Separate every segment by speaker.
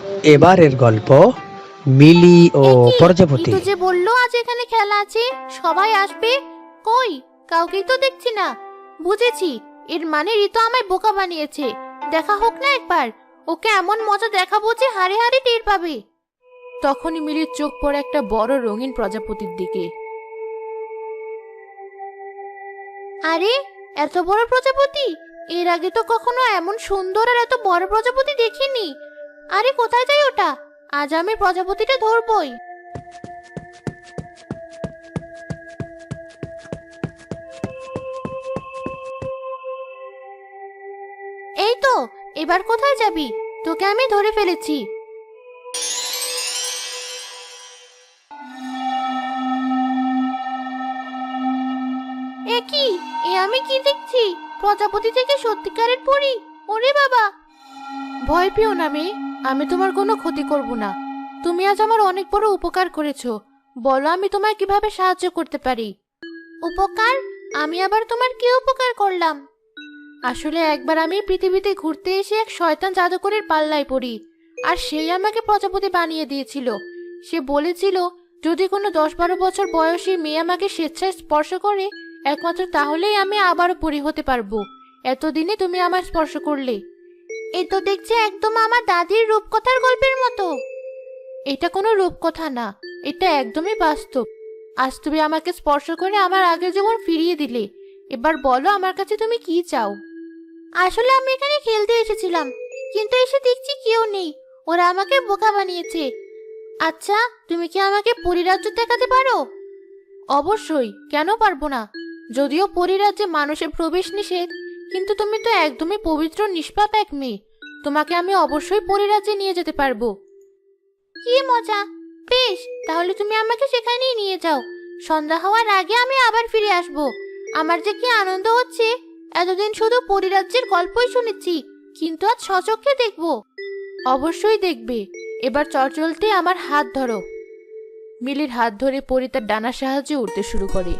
Speaker 1: এবারের গল্প মিলি ও
Speaker 2: একি
Speaker 1: প্রজাপতি।
Speaker 2: ইতু যে বললো আজ এখানে খেলা আছে, সবাই আসবে। কই, কাউকেই তো দেখছি না। বুঝেছি, এর মানে ঋতু আমায় বোকা বানিয়েছে। দেখা হোক না একবার, ওকে এমন মজা দেখাবো যে হাড়ে হাড়ে টের পাবে। তখনই মিলির চোখ পড়ে একটা বড় রঙিন প্রজাপতির দিকে। আরে, এত বড় প্রজাপতি! এর আগে তো কখনো এমন সুন্দর আর এত বড় প্রজাপতি দেখিনি। আরে, কোথায় যায় ওটা? আজ আমি প্রজাপতিটা ধরবই। এই তো, এবার কোথায় যাবি? তোকে আমি ধরে ফেলেছি। এ কি? এ আমি কি দেখছি? প্রজাপতি থেকে সত্যিকারের পরী! ওরে বাবা! ভয় পেও না মেয়ে, আমি তোমার কোনো ক্ষতি করব না। তুমি আজ আমার অনেক বড় উপকার করেছো। বলো, আমি তোমায় কিভাবে সাহায্য করতে পারি? উপকার? আমি আবার তোমার কি উপকার করলাম? আসলে একবার আমি পৃথিবীতে ঘুরতে এসে এক শয়তান জাদুকরের পাল্লায় পড়ি, আর সেই আমাকে প্রজাপতি বানিয়ে দিয়েছিল। সে বলেছিল, যদি কোনো 10-12 বছর বয়সী মেয়ে আমাকে স্বেচ্ছায় স্পর্শ করে, একমাত্র তাহলেই আমি আবারও পরি হতে পারবো। এতদিনে তুমি আমার স্পর্শ করলে। এ তো দেখছি একদম আমার দাদির রূপকথার গল্পের মতো। এটা কোনো রূপকথা না, এটা একদমই বাস্তব। আজ তুমি আমাকে স্পর্শ করে আমার আগের জীবন ফিরিয়ে দিলে। এবার বলো, আমার কাছে তুমি কি চাও? আসলে আমি এখানে খেলতে এসেছিলাম, কিন্তু এসে দেখছি কেউ নেই। ওরা আমাকে বোকা বানিয়েছে। আচ্ছা, তুমি কি আমাকে পরিরাজ্য দেখাতে পারো? অবশ্যই, কেন পারবো না? যদিও পরিরাজ্যে মানুষের প্রবেশ নিষেধ, কিন্তু তুমি তো একদমই পবিত্র নিষ্পাপ এক মেয়ে। তোমাকে আমি অবশ্যই পরিরাজ্যে নিয়ে যেতে পারবো। কি মজা! বেশ, তাহলে তুমি আমাকে সেখানেই নিয়ে যাও। সন্ধ্যা হওয়ার আগে আমি আবার ফিরে আসব। আমার যে কি আনন্দ হচ্ছে! এতদিন শুধু পরিরাজ্যের গল্পই শুনেছি, কিন্তু আজ সচক্ষে দেখব। অবশ্যই দেখবে। এবার চলতে আমার হাত ধরো। মিলির হাত ধরে পরি তার ডানার সাহায্যে উঠতে শুরু করে।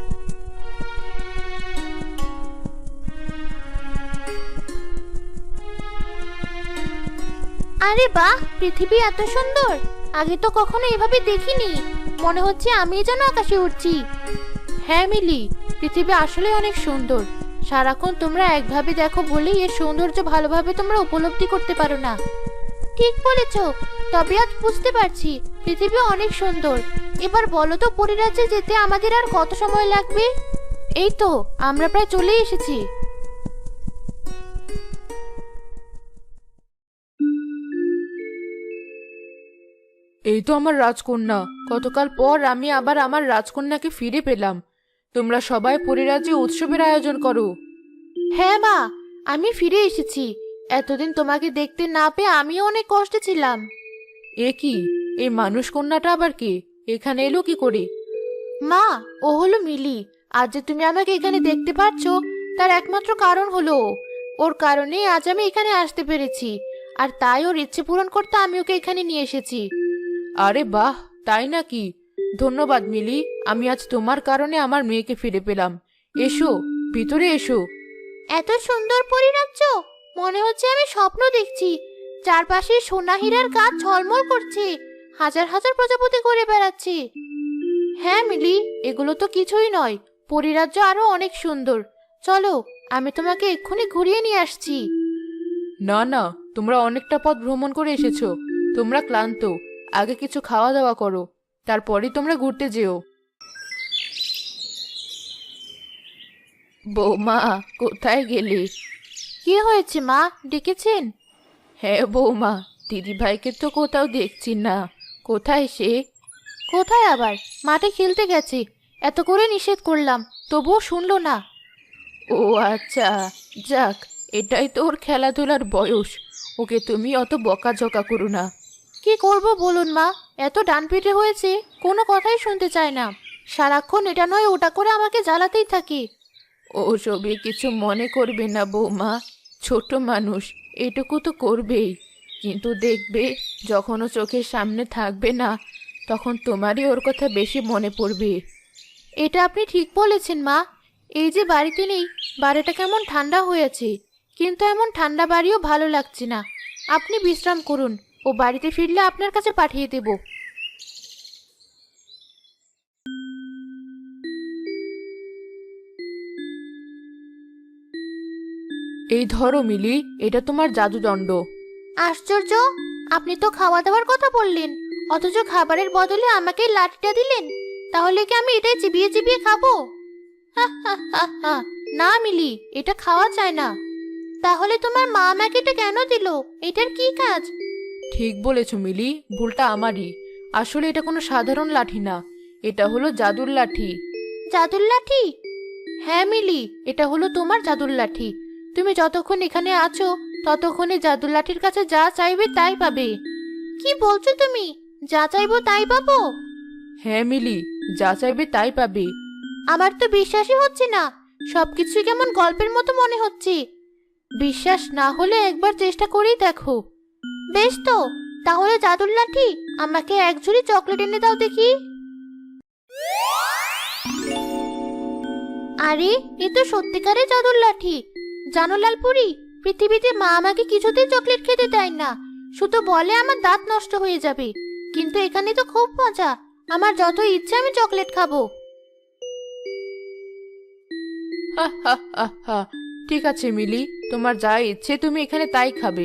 Speaker 2: আরে বাহ, পৃথিবী এত সুন্দর! আগে তো কখনো এভাবে দেখিনি। মনে হচ্ছে আমি যেন আকাশে উড়ছি। হ্যাঁ মিলি, পৃথিবী আসলে অনেক সুন্দর। সারাক্ষণ তোমরা একভাবে দেখো বলেই এর সৌন্দর্য ভালোভাবে তোমরা উপলব্ধি করতে পারো না। ঠিক বলেছ। তবে আজ বুঝতে পারছি পৃথিবী অনেক সুন্দর। এবার বলো তো, পরিরাজ্যে যেতে আমাদের আর কত সময় লাগবে? এই তো, আমরা প্রায় চলে এসেছি। এই তো আমার রাজকন্যা। গতকাল পর আমি আবার আমার রাজকন্যাকে ফিরে পেলাম। তোমরা সবাই পরিরাজ্যে উৎসবের আয়োজন করো। হ্যাঁ মা, আমি ফিরে এসেছি। এতদিন তোমাকে দেখতে না পেয়ে আমিও অনেক কষ্টে ছিলাম। এ কি? এই মানুষ কন্যাটা আবার কে? এখানে এলো কি করে? মা, ও হলো মিলি। আজ যে তুমি আমাকে এখানে দেখতে পাচ্ছ, তার একমাত্র কারণ হলো ও। ওর কারণেই আজ আমি এখানে আসতে পেরেছি। আর তাই ওর ইচ্ছে পূরণ করতে আমি ওকে এখানে নিয়ে এসেছি। আরে বাহ, তাই নাকি? ধন্যবাদ মিলি। আমি আজ তোমার কারণে আমার মেয়েকে ফিরে পেলাম। এসো, ভিতরে এসো। এত সুন্দর পরিরাজ্য! মনে হচ্ছে আমি স্বপ্ন দেখছি। চারপাশে সোনা হীরার গাছ ঝলমল করছে, হাজার হাজার প্রজাপতি ঘুরে বেড়াচ্ছে। হ্যাঁ মিলি, এগুলো তো কিছুই নয়। পরিরাজ্য আরো অনেক সুন্দর। চলো, আমি তোমাকে এক্ষুনি ঘুরিয়ে নিয়ে আসছি। না না, তোমরা অনেকটা পথ ভ্রমণ করে এসেছো। তোমরা ক্লান্ত। আগে কিছু খাওয়া দাওয়া করো, তারপরেই তোমরা ঘুরতে যেও। বৌমা, কোথায় গেলে? কি হয়েছে মা, ডেকেছেন? হ্যাঁ বৌমা, দিদি ভাইকে তো কোথাও দেখছি না। কোথায় সে? কোথায় আবার? মাঠে খেলতে গেছে। এত করে নিষেধ করলাম, তবুও শুনলো না। ও আচ্ছা, যাক, এটাই তো ওর খেলাধুলার বয়স। ওকে তুমি অত বকাঝকা করো না। কি করব বলুন মা, এত ডানপিটে হয়েছে, কোনো কথাই শুনতে চায় না। সারাক্ষণ এটা নয় ওটা করে আমাকে জ্বালাতেই থাকে। ওসবে কিছু মনে করবে না বৌমা, ছোট মানুষ, এটুকু তো করবেই। কিন্তু দেখবে, যখন ও চোখের সামনে থাকবে না, তখন তোমারই ওর কথা বেশি মনে পড়বে। এটা আপনি ঠিক বলেছেন মা। এই যে বাড়িতে নেই, বাড়িটা কেমন ঠান্ডা হয়েছে। কিন্তু এমন ঠান্ডা বাড়িও ভালো লাগছে না। আপনি বিশ্রাম করুন, ও বাড়িতে ফিরলে আপনার কাছে পাঠিয়ে দেব। এই ধরো মিলি, এটা তোমার জাদুদণ্ড। আশ্চর্য, আপনি তো খাওয়া দাওয়ার কথা বললেন, অথচ খাবারের বদলে আমাকে এই লাঠিটা দিলেন। তাহলে কি আমি এটাই চিবিয়ে চিবিয়ে খাবো? হা হা হা হা। না মিলি, এটা খাওয়া যায় না। তাহলে তোমার মা আমাকে এটা কেন দিল? এটার কি কাজ? ঠিক বলেছ মিলি, ভুলটা আমারই। আসলে এটা কোনো সাধারণ লাঠি না, এটা হলো জাদুর লাঠি। জাদুর লাঠি? হ্যাঁ মিলি, এটা হলো তোমার জাদুর লাঠি। তুমি যতক্ষণ এখানে আছো ততক্ষণে জাদুর লাঠির কাছে যা চাইবে তাই পাবে। কি বলছো তুমি? যা চাইবো তাই পাবো? হ্যাঁ মিলি, যা চাইবে তাই পাবে। আমার তো বিশ্বাসই হচ্ছে না, সবকিছু কেমন গল্পের মতো মনে হচ্ছে। বিশ্বাস না হলে একবার চেষ্টা করেই দেখো। বেশ তো, তাহলে জাদুর লাঠি, আমাকে এক ঝুড়ি চকলেট এনে দাও দেখি। আরে, এ তো সত্যিকারের জাদুর লাঠি। জানো লালপুরি, পৃথিবীতে মা আমাকে কিছুতেই চকলেট খেতে দেয় না, শুধু বলে আমার দাঁত নষ্ট হয়ে যাবে। কিন্তু এখানে তো খুব মজা, আমার যত ইচ্ছে আমি চকলেট খাবো। হা হা হা হা। ঠিক আছে মিলি, তোমার যা ইচ্ছে তুমি এখানে তাই খাবে।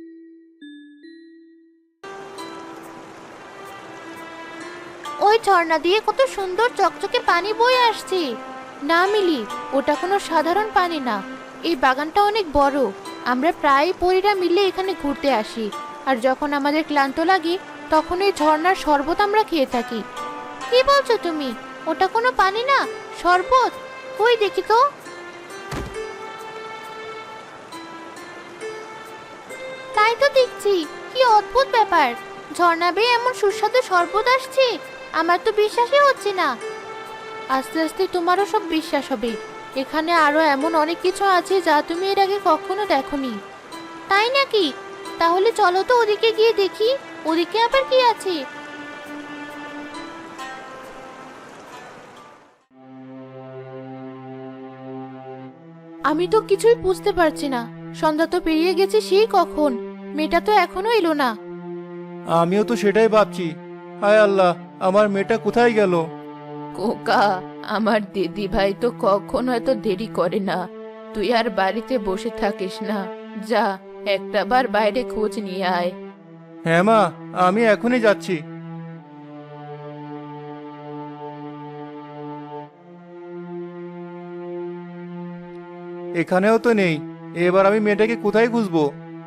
Speaker 2: ওই ঝর্ণা দিয়ে কত সুন্দর চকচকে পানি বয়ে আসছে। না মিলি, ওটা কোনো সাধারণ পানি না, এই বাগানটা অনেক বড়। আমরা প্রায় পরীরা মিলে এখানে ঘুরতে আসি, আর যখন আমাদের ক্লান্ত লাগে তখন এই ঝর্ণার শরবত আমরা খেয়ে থাকি। কি বলছো তুমি? ওটা কোনো পানি না, শরবত? কই দেখি তো। তাই তো দেখছি, কি অদ্ভুত ব্যাপার, ঝর্ণা বেয়ে এমন সুস্বাদু শরবত আসছে, আমার তো বিশ্বাসই হচ্ছে না। আস্তে আস্তে তোমারও সব বিশ্বাস হবে। এখানে আরো এমন অনেক কিছু আছে যা তুমি এর আগে কখনো দেখোনি। তাই নাকি? তাহলে চলো তো ওদিকে গিয়ে দেখি, ওদিকে আবার কি আছে। আমি তো কিছুই বুঝতে পারছি না, সন্ধ্যা তো পেরিয়ে গেছে সেই কখন, মেয়েটা তো এখনো এলো না।
Speaker 3: আমিও তো সেটাই ভাবছি। হায় আল্লাহ, আমার মেয়েটা কোথায় গেল?
Speaker 2: কোকা, আমার দিদি ভাই তো কখনো এত দেরি করে না। তুই আর বাড়িতে বসে থাকিস না, যা একটাবার বাইরে খোঁজ নিয়ে আয়।
Speaker 3: হ্যাঁ মা, আমি এখনই যাচ্ছি। এখানেও তো নেই, এবার আমি মেয়েটাকে কোথায় খুঁজবো?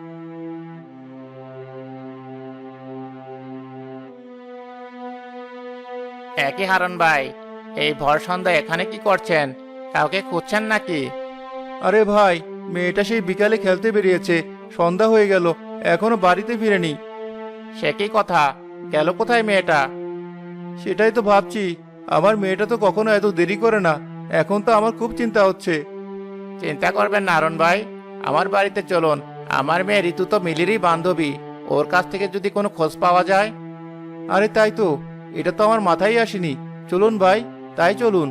Speaker 4: একই হারন ভাই, এই ভর সন্ধ্যা এখানে কি করছেন? কাউকে খুঁজছেন নাকি?
Speaker 3: আরে ভাই, মেয়েটা সেই বিকালে খেলতে বেরিয়েছে, সন্ধ্যা হয়ে গেল, এখনো বাড়িতে ফিরেনি।
Speaker 4: সে কি কথা, গেল কোথায় মেয়েটা?
Speaker 3: সেটাই তো ভাবছি, আমার মেয়েটা তো কখনো এত দেরি করে না, এখন তো আমার খুব চিন্তা হচ্ছে।
Speaker 4: চিন্তা করবেন না হারন ভাই, আমার বাড়িতে চলুন। আমার মেয়ে ঋতু তো মিলিরই বান্ধবী, ওর কাছ থেকে যদি কোনো খোঁজ পাওয়া যায়।
Speaker 3: আরে তাই তো, এটা তো আমার মাথায় আসেনি। চলুন ভাই, তাই চলুন।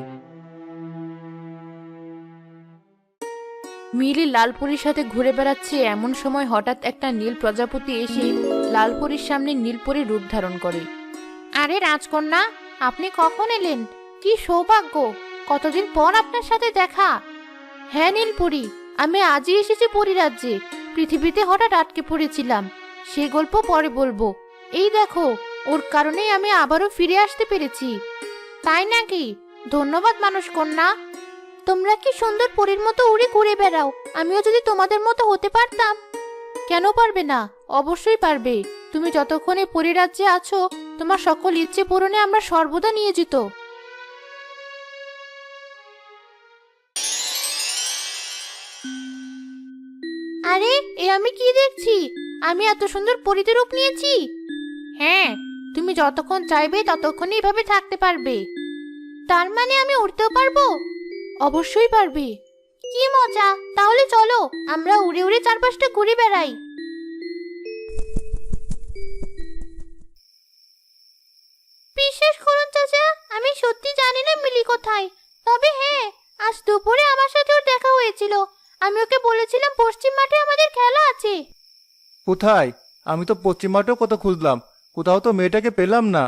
Speaker 2: মিলি লালপুরীর সাথে ঘুরে বেড়াচ্ছে এমন সময় হঠাৎ একটা নীল প্রজাপতি এসে লালপুরীর সামনে নীলপরীর রূপ ধারণ করে। আরে রাজকন্যা, আপনি কখন এলেন? কি সৌভাগ্য, কতদিন পর আপনার সাথে দেখা। হ্যাঁ নীলপরী, আমি আজই এসেছি পরীরাজ্যে। পৃথিবীতে হঠাৎ আটকে পড়েছিলাম, সে গল্প পরে বলবো। এই দেখো, ওর কারণেই আমি আবারও ফিরে আসতে পেরেছি। তাই নাকি? ধন্যবাদ মানুষ কন্যা। তোমরা কি সুন্দর পরীর মতো উড়ে ঘুরে বেড়াও, আমিও যদি তোমাদের মতো হতে পারতাম। কেন পারবে না? অবশ্যই পারবে। তুমি যতক্ষণে পরীরাজ্যে আছো তোমার সকল ইচ্ছে পূরণে আমরা সর্বদা নিয়োজিত। আরে, এ আমি কি দেখছি? আমি এত সুন্দর পরীতে রূপ নিয়েছি। হ্যাঁ, তুমি যতক্ষণ চাইবে ততক্ষণই এভাবে থাকতে পারবে। তার মানে আমি উড়তেও পারবো? অবশ্যই পারবে। কি মজা, তাহলে চলো আমরা উড়ে উড়ে চারপাশটা ঘুরে বেড়াই। বিশ্বাস করুন চাচা, আমি সত্যি জানি না মিলি কোথায়। তবে হ্যাঁ, আজ দুপুরে আমার সাথে ওর দেখা হয়েছিল। আমি ওকে বলেছিলাম পশ্চিম মাঠে আমাদের খেলা আছে।
Speaker 3: কোথায়? আমি তো পশ্চিম মাঠেও কত খুঁজলাম, কোথাও তো মেয়েটাকে পেলাম না।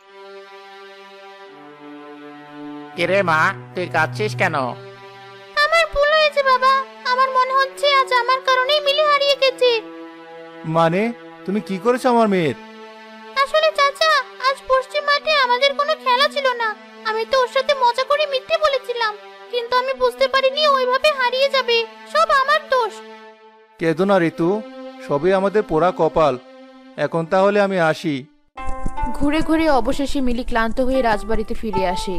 Speaker 4: কিরে মা, তুই কাঁদছিস কেন?
Speaker 2: আমার ভুল হয়েছে বাবা। আমার মনে হচ্ছে আজ আমার কারণেই মিলি হারিয়ে গেছে।
Speaker 3: মানে তুমি কি করেছো আমার মেয়ের?
Speaker 2: আসলে চাচা, আজ পশ্চিম মাঠে আমাদের কোনো খেলা ছিল না। আমি তো ওর সাথে মজা করে মিথ্যে বলেছিলাম, কিন্তু আমি বুঝতে পারিনি ওইভাবে হারিয়ে যাবে। সব আমার দোষ।
Speaker 3: কেঁদো না ঋতু, সবই আমাদের পোড়া কপাল। এখন তাহলে আমি আসি।
Speaker 2: ঘুরে ঘুরে অবশেষে মিলি ক্লান্ত হয়ে রাজবাড়িতে ফিরে আসে।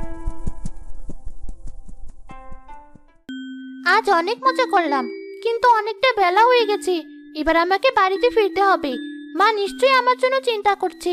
Speaker 2: আজ অনেক মজা করলাম, কিন্তু অনেকটা বেলা হয়ে গেছে। এবার আমাকে বাড়িতে ফিরতে হবে। মা নিশ্চয়ই আমার জন্য চিন্তা করছে।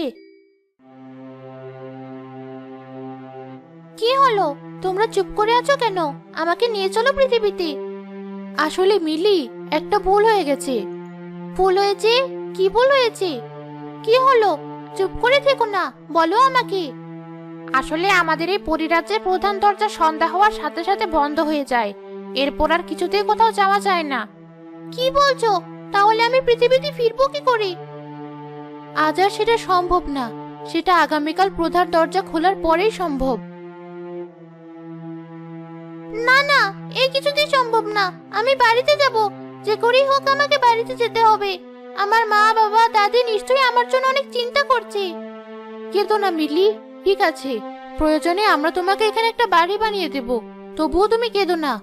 Speaker 2: কি হলো, তোমরা চুপ করে আছো কেন? আমাকে নিয়ে চলো পৃথিবীতে। আসলে মিলি, একটা ভুল হয়ে গেছে। ভুল হয়েছে? কি ভুল হয়েছে? কি হলো? চুপ করে থেকো না, বলো আমাকে। আসলে আমাদের এই পরিরাজ্যের প্রধান দরজা সন্ধ্যা হওয়ার সাথে সাথে বন্ধ হয়ে যায়। এরপর আর কিছুতেই কোথাও যাওয়া যায় না। কি বলছো? তাহলে আমি পৃথিবীতে ফিরবো কি করে? আজ আর সেটা সম্ভব না। সেটা আগামীকাল প্রধান দরজা খোলার পরেই সম্ভব। না না, এই কিছুতেই সম্ভব না। আমি বাড়িতে যাব, যে করেই হোক আমাকে বাড়িতে যেতে হবে। আমার মা বাবা দাদি নিশ্চয়ই আমার জন্য অনেক চিন্তা করছে। কেঁদো না মিলি, ঠিক আছে। প্রয়োজনে আমরা তোমাকে এখানে একটা বাড়ি বানিয়ে দেব, তবুও তুমি কেঁদো না।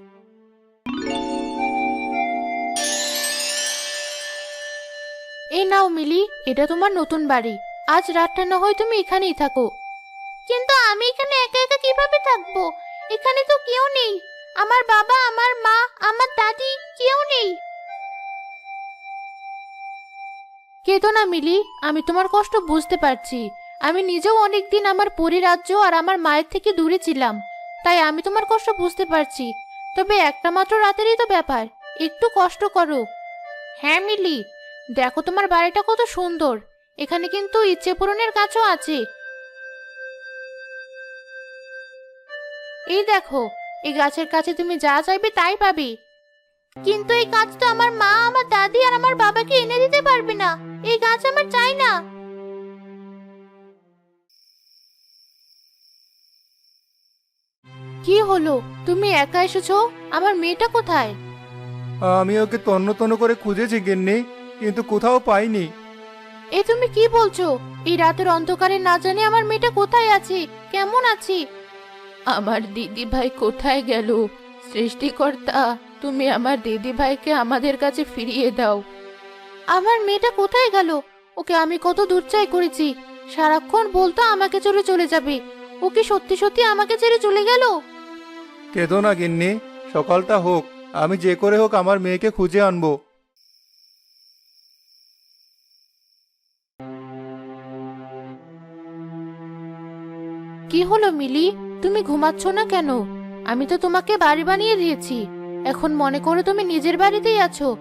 Speaker 2: এই নাও মিলি, এটা তোমার নতুন বাড়ি। আজ রাতটা না হয় তুমি এখানেই থাকো। কিন্তু আমি এখানে একা একা কিভাবে থাকবো? এখানে তো কেউ নেই। আমার বাবা, আমার মা, আমার দাদি, কেউ নেই। কেঁদো না মিলি, আমি তোমার কষ্ট বুঝতে পারছি। আমি নিজেও অনেকদিন আমার পরিরাজ্য আর আমার মায়ের থেকে দূরে ছিলাম, তাই আমি তোমার কষ্ট বুঝতে পারছি। তবে একটা মাত্র রাতেরই তো ব্যাপার, একটু কষ্ট করো। হ্যাঁ মিলি, দেখো তোমার বাড়িটা কত সুন্দর। এখানে কিন্তু ইচ্ছে পূরণের গাছও আছে। এই দেখো, এই গাছের কাছে তুমি যা চাইবে তাই পাবে। কিন্তু এই গাছ তো আমার মা, আমার দাদি আর আমার বাবাকে এনে দিতে পারবে না। এই গাছ আমার চাই না। কি হলো, তুমি একা এসেছো? আমার মেয়েটা কোথায়?
Speaker 3: আমি ওকে তন্ন তন্ন করে খুঁজেছি গিন্নি, কিন্তু কোথাও পাইনি।
Speaker 2: এ তুমি কি বলছো? এই রাতের অন্ধকারে না জানি আমার মেয়েটা কোথায় আছে, কেমন আছে? আমার দিদি ভাই কোথায় গেল? সৃষ্টিকর্তা, তুমি আমার দিদি ভাইকে আমাদের কাছে ফিরিয়ে দাও। আমার মেয়েটা কোথায় গেল? ওকে আমি কত দূর চাই করেছি। সারাক্ষণ বলতো আমাকে ছেড়ে চলে যাবে। ও কি সত্যি সত্যি আমাকে ছেড়ে চলে গেল?
Speaker 3: কেঁদো না গিন্নি, সকালটা হোক, আমি যে করে হোক আমার মেয়েকে খুঁজে আনবো।
Speaker 2: কি হলো মিলি, তুমি ঘুমাচ্ছ না কেন? আমি তো তোমাকে বাড়ি বানিয়ে দিয়েছি। এখন মনে করো তুমি নিজের বাড়িতেই আছো।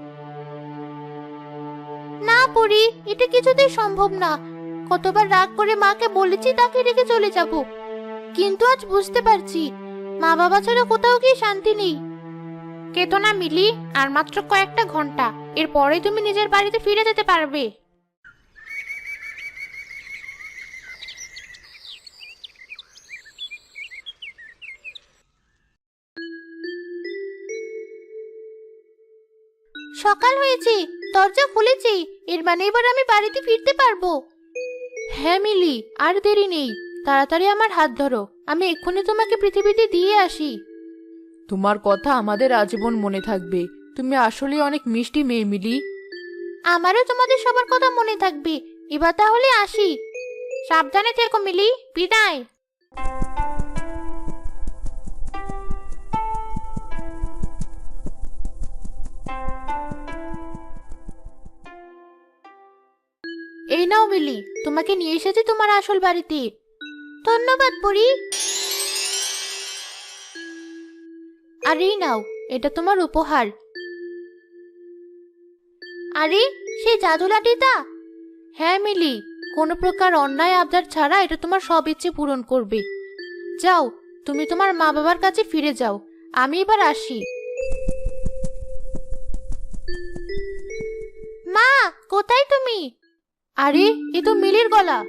Speaker 2: না পরি, এটা কিছুতেই সম্ভব না। কতবার রাগ করে মাকে বলেছি তাকে রেখে চলে যাব, কিন্তু আজ বুঝতে পারছি মা বাবা ছাড়া কোথাও গিয়ে শান্তি নেই। কেতো না মিলি, আর মাত্র কয়েকটা ঘন্টা, এরপরেই তুমি নিজের বাড়িতে ফিরে যেতে পারবে। সকাল হয়েছে, দরজা খুলেছি। এর মানে এবার আমি বাড়িতে ফিরতে পারবো। হ্যাঁ মিলি, আর দেরি নেই। তাড়াতাড়ি আমার হাত ধরো, আমি এক্ষুনি তোমাকে পৃথিবীতে দিয়ে আসি। তোমার কথা আমাদের আজীবন মনে থাকবে। তুমি আসলে অনেক মিষ্টি মেয়ে মিলি। আমারও তোমাদের সবার কথা মনে থাকবে। এবার তাহলে আসি। সাবধানে থেকো মিলি, বিদায়। এই নাও মিলি, তোমাকে নিয়ে এসেছি তোমার আসল বাড়িতে। ধন্যবাদ পরি। আর এই নাও, এটা তোমার উপহার। আরে, সেই জাদু লাঠিটা? হ্যাঁ মিলি, কোনো প্রকার অন্যায় আবদার ছাড়া এটা তোমার সব ইচ্ছে পূরণ করবে। যাও, তুমি তোমার মা বাবার কাছে ফিরে যাও। আমি এবার আসি। মা, কোথায় তুমি? তুমি? আরে এ তো মিলির গলা।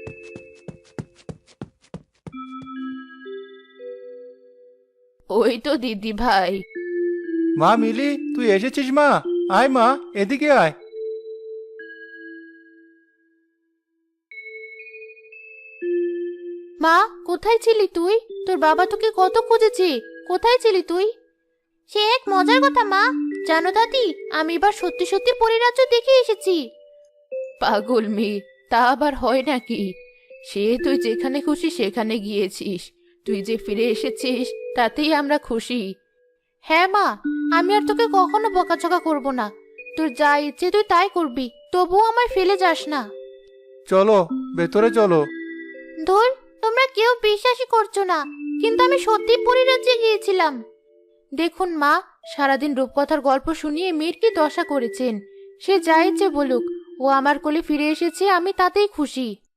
Speaker 2: ওই তো দিদি ভাই।
Speaker 3: মা মিলি, তুই এসেছিস মা? আয় মা, এদিকে আয়।
Speaker 2: মা, কোথায় ছিলি তুই? তোর বাবা তোকে কত খুঁজেছে। কোথায় ছিলি তুই? সে এক মজার কথা মা। জানো দাদি, আমি এবার সত্যি সত্যি পরিরাজ্য দেখে এসেছি। পাগল মেয়ে, তা আবার হয় নাকি? সে তুই যেখানে খুশি সেখানে গিয়েছিস, তুই যে ফিরে এসেছিস তাতেই আমরা খুশি। হ্যাঁ মা, আমি আর তোকে কখনো বকাঝকা করব না। তোর যা ইচ্ছে তুই তাই করবি, তবুও আমায় ফেলে যাস না।
Speaker 3: চলো, ভেতরে চলো।
Speaker 2: ধুর, তোমরা কেউ বিশ্বাসই করছো না, কিন্তু আমি সত্যি পরিরাজ্যে গিয়েছিলাম। দেখুন মা, সারাদিন রূপকথার গল্প শুনিয়ে মেয়ের কি দশা করেছেন। সে যা ইচ্ছে বলুক, ও আমার কোলে ফিরে এসেছে, আমি তাতেই খুশি।